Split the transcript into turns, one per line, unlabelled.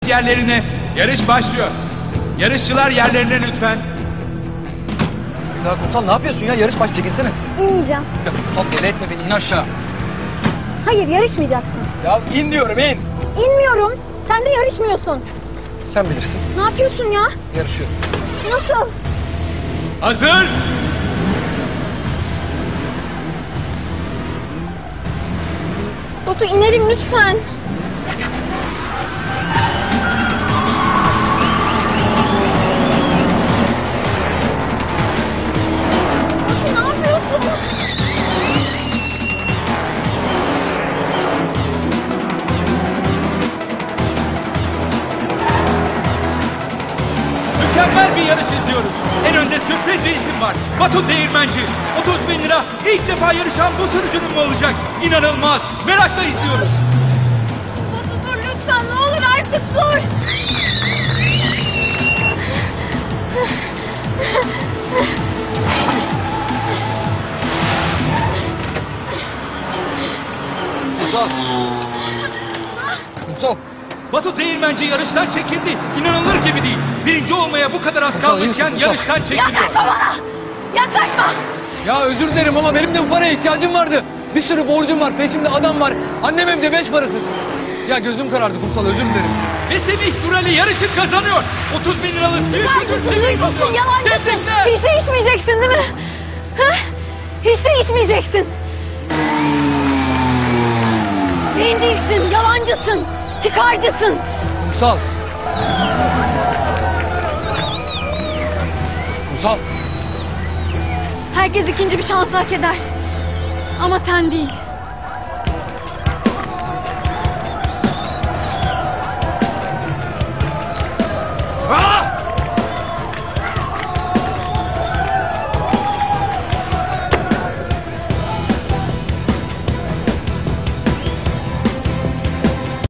Yerlerine, yarış başlıyor. Yarışçılar yerlerine lütfen.
Ya Kumsal ne yapıyorsun ya? Yarış başlayacak, insene.
İnmeyeceğim.
Ya Kumsal deli etme beni, in aşağı.
Hayır, yarışmayacaksın.
Ya in diyorum, in.
İnmiyorum. Sen de yarışmıyorsun.
Sen bilirsin.
Ne yapıyorsun ya?
Yarışıyorum.
Nasıl?
Hazır.
Batu inelim lütfen. Batu ne yapıyorsun?
Mükemmel bir yarış izliyoruz. En önde sürpriz bir isim var. Batu Değirmenci. 30.000 lira. İlk defa yarışan bu sürücünün mü olacak? İnanılmaz. Merakla izliyoruz.
Batu dur lütfen, ne olur artık dur.
Kumsal. Kumsal.
Batu Değirmenci yarıştan çekildi. İnanılır gibi değil. Birinci olmaya bu kadar az kalmışken
iyi misin?
yarıştan çekiliyor.
Yaklaşma bana. Yaklaşma.
Ya özür dilerim ama benim de bu paraya ihtiyacım vardı. Bir sürü borcum var, peşimde adam var. Annem evde 5 parasız. Ya gözüm karardı Kumsal, özür dilerim.
Ve Semih Durali yarışı kazanıyor. 30.000 liralık büyük bir
Çıkarcısın,
ödül
hırsızsın,
kazanıyor.
yalancısın.
Tebrikler.
Hiç de içmeyeceksin değil mi? Ha? Hiç de içmeyeceksin. Bencilsin, yalancısın, çıkarcısın.
Kumsal. Kumsal.
Herkes ikinci bir şans hak eder. Ama sen değil.